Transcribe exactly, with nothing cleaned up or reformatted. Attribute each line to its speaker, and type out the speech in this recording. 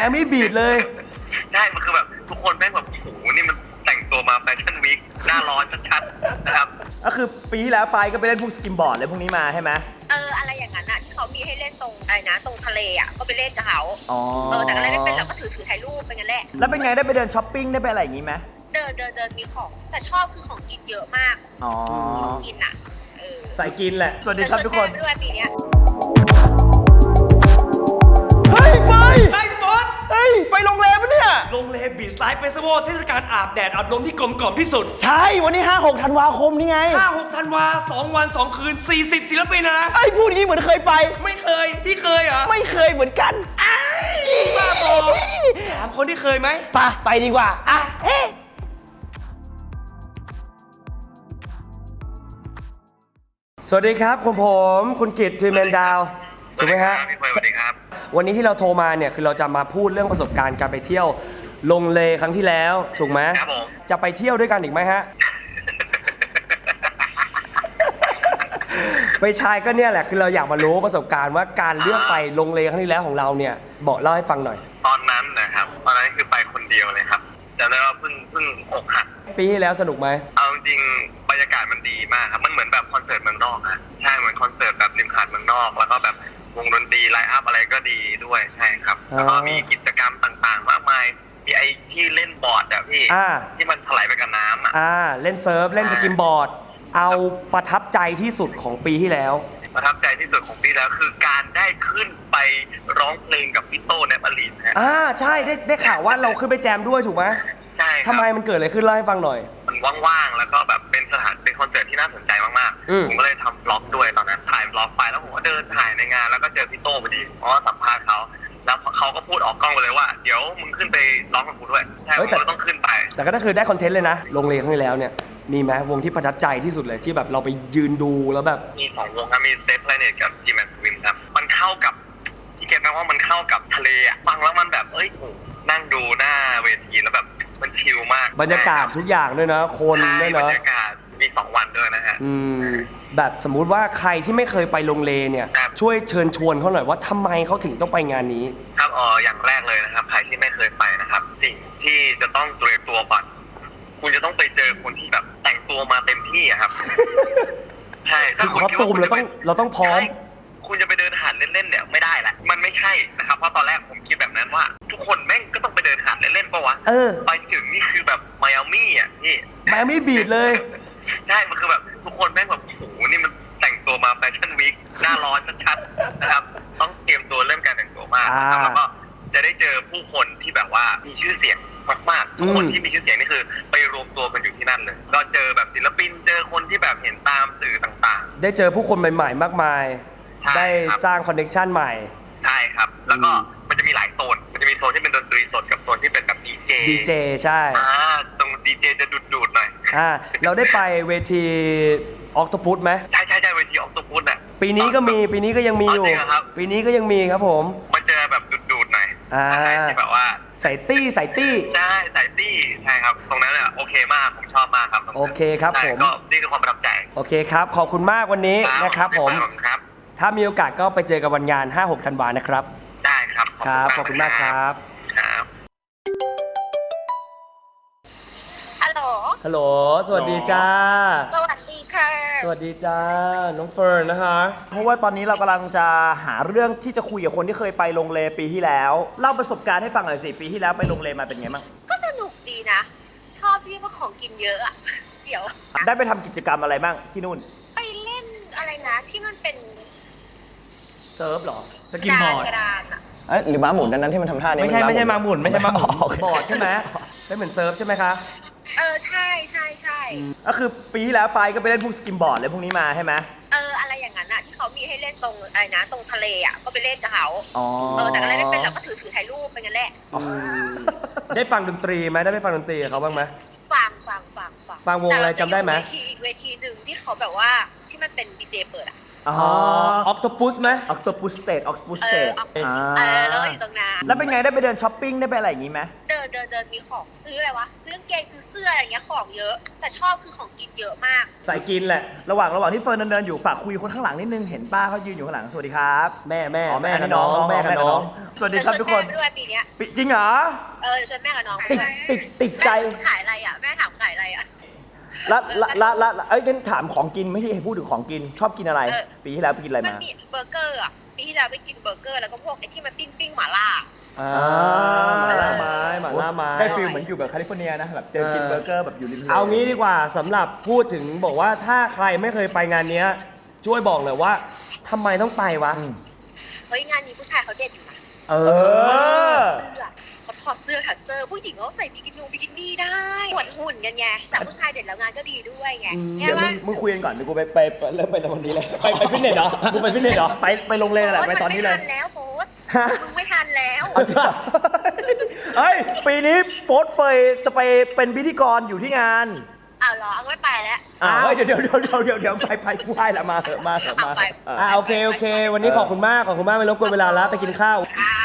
Speaker 1: อามี่บีทเลย
Speaker 2: ใช่มันคือแบบทุกคนแม่งแบบโอ้โหนี่มันแต่งตัวมาแฟชั่นวีคหน้าร้อนชัดๆนะครับ
Speaker 1: ก็คือปีที่แล้วไปก็ไปเล่นพวกสกิมบอร์ดอะไรพวกนี้มาใช่ไหม
Speaker 3: เอออะไรอย่างนั้นอ่ะที่เขามีให้เล่นตรงอะไรนะตรงทะเลอ่ะก็ไปเล่นกับเขา
Speaker 1: อ๋อ
Speaker 3: เออแต่ก็เล่นไม่เป็นเราก็ถือถือถ่ายรูปไปงั้นแหละ
Speaker 1: แล้วเป็นไงได้ไปเดินช้อปปิ้งได้ไปอะไรอย่างงี้ไหม
Speaker 3: เดินเดินเดินมีของแต่ชอบคือของกินเยอะมาก
Speaker 1: อ๋อ
Speaker 3: ของกินอ่ะเออ
Speaker 1: ใส่กินแหละสวัสดีครับทุกคน
Speaker 3: ด้วยปีนี้
Speaker 1: เฮ้ยไป
Speaker 4: ไอ้ฟอน
Speaker 1: เฮ้ยไปโรงแรมปะเนี่ย
Speaker 4: โรงแรมบีชไลฟ์เฟสติวัลเทศกาลอาบแดดอาบลมที่กลมกล่อมที่สุด
Speaker 1: ใช่วันนี้ห้าหกธันวาคมนี่ไง
Speaker 4: ห้าหกธันวาสองวันสองคืนสี่สิบศิลปินนะ
Speaker 1: ไอ้พูดอย่างนี้เหมือนเคยไป
Speaker 4: ไม่เคยพี่เคยเหรอ
Speaker 1: ไม่เคยเหมือนกัน
Speaker 4: อ้าวบ้าบอถามคนที่เคยไหม
Speaker 1: ไปไปดีกว่าอ่ะเอ๊ะสวัสดีครับคุณผมคุณกิตทรีแมนดาวถูกไหมฮะ
Speaker 2: สวัสดีครับ
Speaker 1: วันนี้ที่เราโทรมาเนี่ยคือเราจะมาพูดเรื่องประสบการณ์การไปเที่ยวลงเลครั้งที่แล้วถูกไหม
Speaker 2: ครับผม
Speaker 1: จะไปเที่ยวด้วยกันอีกไหมฮะ ไปชายก็เนี่ยแหละคือเราอยากมารู้ประสบการณ์ว่าการเลือกไปลงเลครั้งที่แล้วของเราเนี่ยบอกเล่าให้ฟังหน่อย
Speaker 2: ตอนนั้นนะครับตอนนั้นคือไปคนเดียวเลยครับจำได้ว่าเพิ่งเพิ่งอกหัก
Speaker 1: ปีที่แล้วสนุกไหม
Speaker 2: เอาจริงบรรยากาศมันดีมากครับมันเหมือนแบบคอนเสิร์ตเมืองนอกอะใช่เหมือนคอนเสิร์ตแบบริมหาดเมืองนอกแล้วก็แบบวงดนตรีไลฟ์อัพอะไรก็ดีด้วยใช่ครับแล้วก็มีกิจกรรมต่างๆมากมายมีไอ้ที่เล่นบอร์ดอะพี่ที่มันถลายไปกับน้ำอะ
Speaker 1: อ่าเล่นเซิร์ฟเล่นสกิมบอร์ดเอาประทับใจที่สุดของปีที่แล้ว
Speaker 2: ประทับใจที่สุดของปีแล้วคือการได้ขึ้นไปร้องเพลงกับพี่โต้แนปอลีนฮะ
Speaker 1: อ่าใช่ได้ได้ข่าวว่าเราขึ้นไปแจมด้วยถูกไหม
Speaker 2: ใช่
Speaker 1: ทำไมมันเกิดอะไรขึ้นเล่าให้ฟังหน่อย
Speaker 2: มันว่างๆแล้วก็แบบเป็นสถานเป็นคอนเสิร์ตที่น่าสนใจมากๆผมก็เลยทำบล็อกด้วยตอนนั้นถ่ายบล็อกไปแล้วผมก็เดินถ่ายในงานแล้วก็เจอพี่โต้พอดีเพราะว่าสัมภาษณ์เขาแล้วเขาก็พูดออกกล้องไปเลยว่าเดี๋ยวมึงขึ้นไปร้องกับกูด้วยใช่ผมก็ต้องขึ้นไป
Speaker 1: แต่ก็คือได้คอนเทนต์เลยนะลงเลครั้งที่แล้วเนี่ยมีไหมวงที่ประทับใจที่สุดเลยที่แบบเราไปยืนดูแล้วแบบ
Speaker 2: มีสองวงครับมีเซฟแพลเน็ตกับจีแมนสวิมครับมันเข้ากับที่เก็ตนะว่ามันเข้ากับทะเลอ่ะฟังแล้วมันแบบเอ้ยนั่งดูหน้าเวทีแล้วแบบมันชิลมาก
Speaker 1: บรรยากาศทุกอย่างด้วยนะคนด้วยเนาะ
Speaker 2: บรรยากาศมีสองวันด้วยนะฮะ
Speaker 1: อืมแบบสมมุติว่าใครที่ไม่เคยไปลงเลเนี่ยช่วยเชิญชวนเขาหน่อยว่าทำไมเขาถึงต้องไปงานนี้
Speaker 2: ครับอ๋ออย่างแรกเลยนะครับใครที่ไม่เคยไปนะครับสิ่งที่จะต้องเตรียมตัวก่อนคุณจะต้องไปเจอคนที่แบบแต่งตัวมาเต็มที่อะครับใช่
Speaker 1: คือคอสตูมเราต้องเราต้องพร้อม
Speaker 2: คุณจะไปเดินหาดเล่นๆเนี่ยไม่ได้แหละมันไม่ใช่นะครับเพราะตอนแรกผมคิดแบบนั้นว่าทุกคนแม่งก็ต้องไปเดินหาดเล่นๆป่ะวะ
Speaker 1: เออ
Speaker 2: ไปถึงนี่คือแบบไมอามี่อ่ะพี่
Speaker 1: ไมอามี่บีทเลย
Speaker 2: ใช่มันคือแบบทุกคนแม่งแบบโอ้โหนี่มันแต่งตัวมาแฟชั่นวีคหน้าร้อนชัดๆนะครับต้องเตรียมตัวเรื่องการแต่งตัวมากแล้วก็จะได้เจอผู้คนที่แบบว่ามีชื่อเสียงมากๆทุกคนที่มีชื่อเสียงนี่คือไปรวมตัวกันอยู่ที่นั่นเลยก็เจอแบบศิลปินเจอคนที่แบบเห็นตามสื่อต่าง
Speaker 1: ๆได้เจอผู้คนใหม่ๆมากมายได้สร้างคอนเนคชั่นใหม่
Speaker 2: ใช่ครับแล้วก็มันจะมีหลายโซนมันจะมีโซนที่เป็นดนตรีสดกับโซนที่เป็นแบบดีเจ
Speaker 1: ดีเจใช่
Speaker 2: อ่าตรงดีเจจะดูดๆหน่อย
Speaker 1: อ่าเราได้ไปเวทีออกโตพุสไหม
Speaker 2: ใช่ใช่ใช่เวทีออกโตพุสอ่ะ
Speaker 1: ปีนี้ก็มีปีนี้ก็ยังมีอยู่ปีนี้ก็ยังมีครับผม
Speaker 2: มาเจอแบบดูดๆหน่อย
Speaker 1: อ่า
Speaker 2: ที่แบบว่า
Speaker 1: ใส่ตี้ใส่ตี้
Speaker 2: ใช่ใส่ตี้ใช่ครับตรงนั้นอ่ะโอเคมากผมชอบมากครับ
Speaker 1: โอเคครับผม
Speaker 2: ก็นี่คือความประทับใจ
Speaker 1: โอเคครับขอบคุณมากวันนี้นะครับผมถ้ามีโอกาสก็ไปเจอกันวันงาน ห้าหก ธันวานะครับ
Speaker 2: ได้ครับ
Speaker 1: ครับขอบคุณมากครับ
Speaker 2: ครับ
Speaker 3: ฮัลโหล
Speaker 1: ฮัลโหลสวัสดีจ้า
Speaker 3: สวัสดีค่ะ
Speaker 1: สวัสดีจ้าน้องเฟิร์นนะคะเพราะว่าตอนนี้เรากำลังจะหาเรื่องที่จะคุยกับคนที่เคยไปลงเลปีที่แล้วเล่าประสบการณ์ให้ฟังหน่อยสิปีที่แล้วไปลงเลมาเป็นไงบ้าง
Speaker 3: ก็สนุกดีนะชอบที่ว่าของกินเยอะอะเดี๋ยว
Speaker 1: ได้ไปทำกิจกรรมอะไรบ้างที่นู่น
Speaker 3: ไปเล่นอะไรนะที่มันเป็น
Speaker 1: เซิร์ฟหรอ
Speaker 4: สกิมบอร์ด
Speaker 1: เอ้ยหรือม้าหมุนนั้นที่มันทำท่านี้
Speaker 4: ไม่ใช่ไม่ใช่ม้าหมุนไม่ใช่ม้าหมุน
Speaker 1: บอร์ดใช่ไหมเป็นเหมือนเซิร์ฟใช่ไหมคะ
Speaker 3: เออใช่ใช่ใช่
Speaker 1: ก็คือปีที่แล้วไปก็ไปเล่นพวกสกิมบอร์ดอะไรพวกนี้มาใช่ไหม
Speaker 3: เอออะไรอย่างนั้นอ่ะที่เขามีให้เล่นตรงอะไรนะตรงทะเลอ่ะก็ไปเล่นกับเขา
Speaker 1: อ๋อ
Speaker 3: เออแต่ก็เล่นไม่เป็นเราก็ถือถือถ่ายรูปไปงั้นแหละ
Speaker 1: ได้ฟังดนตรีไหมได้ไปฟังดนตรีกับเขาบ้างไหม
Speaker 3: ฟังฟังฟังฟัง
Speaker 1: ฟังวงอะไรจำได้ไหม
Speaker 3: เวทีอีกเวทีหนึ่งที่เขาแบบว่าที่มันเป็นดีเจเปิดอ่ะ
Speaker 1: อ๋อ
Speaker 4: ออกโตปุสไหม
Speaker 1: ออกตัวปูสเตทออกปูส
Speaker 3: เอ
Speaker 1: เต
Speaker 3: อ
Speaker 1: ท
Speaker 3: ออกเออแล้วอยู่ตรงนั้น
Speaker 1: แล้วเป็นไงได้ไปเดินช้อปปิ้งได้ไปอะไรอย่างงี้ไหม
Speaker 3: เดินเดินเดินมีของซื้ออะไรวะซื้อกางเกงซื้อเสื้ออะไรเงี้ยของเยอะ แต่ชอบคือของกินเยอะมาก
Speaker 4: ใส่กินแหละ
Speaker 1: ระหว่างระหว่างที่เฟิร์นเดินๆอยู่ฝากคุยคนข้างหลังนิดนึงเห็นป้าเขายืนอยู่ข้างหลังสวัสดีครับ
Speaker 4: แม่แม่
Speaker 1: อ๋อ
Speaker 4: แม่
Speaker 1: อั
Speaker 4: กับน้องแม่กับน้อง
Speaker 1: สวัสดีครับทุกคน
Speaker 3: ชวนแม่ไปด้วยปีเนี้ย
Speaker 1: ปิจริงเหรอ
Speaker 3: เออชวนแม่กับน้องไป
Speaker 1: ติด
Speaker 3: ด้วย
Speaker 1: ติดติดใจ
Speaker 3: แม่ขายอะไรอ่ะแม่ถามขายอะไรอ่ะ
Speaker 1: ละละละละละเอ้ยงั้นถามของกินไม่ใช่พูดถึงของกินชอบกินอะไร
Speaker 3: เออ
Speaker 1: ปีที่แล้วไปกินอะไร
Speaker 3: มัน
Speaker 1: มา
Speaker 3: มีเบอร์เกอร์อ่ะปีที่แล้วไปกินเบอร์เกอร์แล้วก็พวกไอ้ที่มันปิ้งปิ้งหม่าล่า
Speaker 4: อ่าหมาล่าไม้หมาล่าไม้
Speaker 1: ได้ฟีลเหมือนอยู่แบบแคลิฟอร์เนียนะแบบเดินกินเบอร์เกอร์แบบอยู่ริมทะเล
Speaker 4: เอางี้ดีกว่าสำหรับพูดถึงบอกว่าถ้าใครไม่เคยไปงานเนี้ยช่วยบอกเลยว่าทำไมต้องไปวะ
Speaker 3: เฮ้ยงานนี้ผู้ชายเขาเด็ดอยู่นะ
Speaker 4: เอ
Speaker 1: เออ
Speaker 3: เสื้อเขาถอดเสื้อถัดเสื้อผู้หญิงเขาใส่บิกินี่บิกินี่ได้หวดหุ่นกันไงแต่ผู้ชายเด็ดแล้วงานก็ดีด้วยไง
Speaker 1: เดี๋ยวมึ
Speaker 3: ว่าง
Speaker 1: มึงคุยกันก่อนเดี๋ยวกูไปไปไปเริ่มไปวันนี้เลย
Speaker 4: ไปไปฟิตเนสเหรอมึงไปฟิตเนสเหรอ
Speaker 1: ไปไปลงเลยแหละไปตอนนี้เลย
Speaker 3: มัไม่ทันแล้วโบ๊ท
Speaker 1: ฮะ
Speaker 3: มึงไม่ทันแล้ว
Speaker 1: เฮ้ย ปีนี้โฟร์เฟยจะไปเป็นพิธีกรอยู่ที่งาน
Speaker 3: อ้าวเหรอเอาไม่ไปแล้ว
Speaker 1: อ่าเฮ้ยเดี๋ยวเดี๋ยวเดี๋ยวเดี๋ยวเดี๋ยวเดี๋ยวไปไปกูให้ละมาเถอะมาเถอะมาเถอะเออ
Speaker 4: อ่าโอเคโอเค วันนี้ขอบคุณมากขอบคุณมากไม่รบกวนเวลาแล้วไปกินข้าว
Speaker 3: อ่า